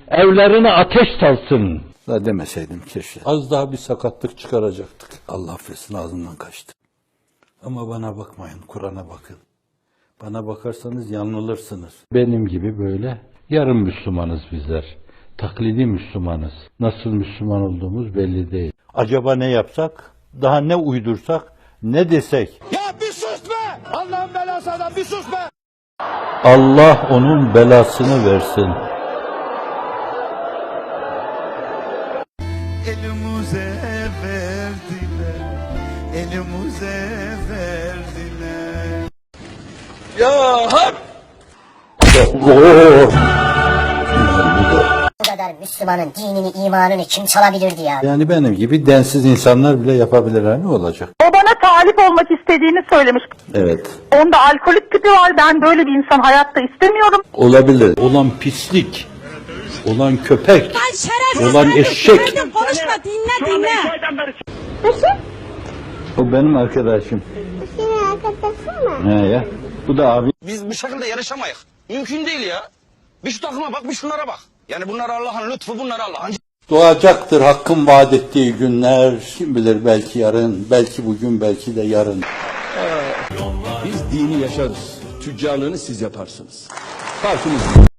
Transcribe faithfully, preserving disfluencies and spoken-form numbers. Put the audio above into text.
evlerine ateş salsın. Da demeseydim keşke. Az daha bir sakatlık çıkaracaktık. Allah affetsin, ağzımdan kaçtı. Ama bana bakmayın, Kur'an'a bakın. Bana bakarsanız yanılırsınız. Benim gibi böyle yarım Müslümanız bizler. Taklidi Müslümanız. Nasıl Müslüman olduğumuz belli değil. Acaba ne yapsak? Daha ne uydursak? Ne desek? Ya bir sus be! Allah'ın belası adam bir sus be! Allah onun belasını versin. Elimize verdiler, elimize verdiler. Ya hak! Bu kadar Müslümanın dinini, imanını kim çalabilirdi ya? Yani benim gibi densiz insanlar bile yapabilirler, ne olacak? O bana talip olmak istediğini söylemiş. Evet. Onda alkolik tipi var. Ben böyle bir insan hayatta istemiyorum. Olabilir. Olan pislik, olan köpek, olan eşek. Konuşma, dinle dinle. O benim arkadaşım. Senin arkadaşın mı? He ya. Bu da abi. Biz bu şekilde yarışamayız. Mümkün değil ya. Bir şu takıma bak, bir şunlara bak. Yani bunlar Allah'ın lütfu, bunlar Allah'ın. Doğacaktır Hakk'ın vaat ettiği günler. Kim bilir, belki yarın, belki bugün, belki de yarın. Biz dini yaşarız. Tüccarlığını siz yaparsınız. Farkımız